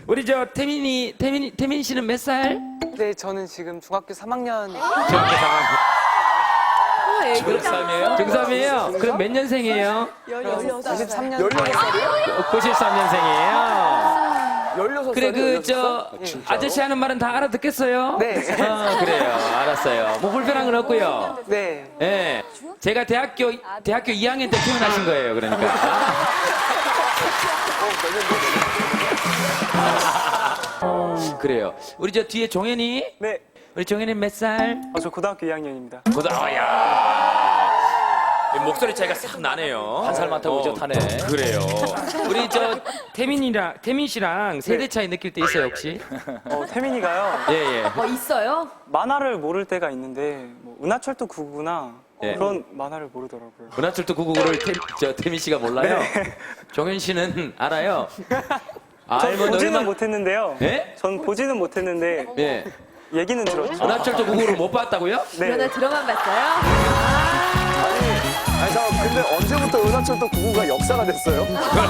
우리 저 태민 씨는 몇 살? 네, 저는 지금 중학교 3학년. 중학교 3학년. 중3이에요? 중3이에요? 그럼 몇 년생이에요? 93년. 16살이요? 93년생이에요. 16살이요? 그래 그 저 아저씨 하는 말은 다 알아듣겠어요? 네. 그래요. 알았어요. 뭐 불편한 건 없고요. 네. 예. 제가 대학교 2학년 때 태어나신 거예요. 그러니까. 그래요. 우리 저 뒤에 종현이? 네. 우리 종현이 몇 살? 저 고등학교 2학년입니다. 야. 목소리 차이가 싹 나네요. 한 살만 더 우젓하네. 그래요. 우리 저 태민 씨랑 세대 차이 느낄 때 있어요 혹시? 태민이가요. 예. 있어요? 만화를 모를 때가 있는데 뭐 은하철도 999나 예. 그런 만화를 모르더라고요. 은하철도 999를 태민 씨가 몰라요? 종현 씨는 알아요? 전 알면 보지는 얼마- 못했는데요. 예? 전 보지는 못했는데 예. 얘기는 들었죠. 은하철도 999를 못 봤다고요? 그러나 네. 들어만 봤어요? 아니, 잠깐 근데 언제부터 은하철도 999가 역사가 됐어요?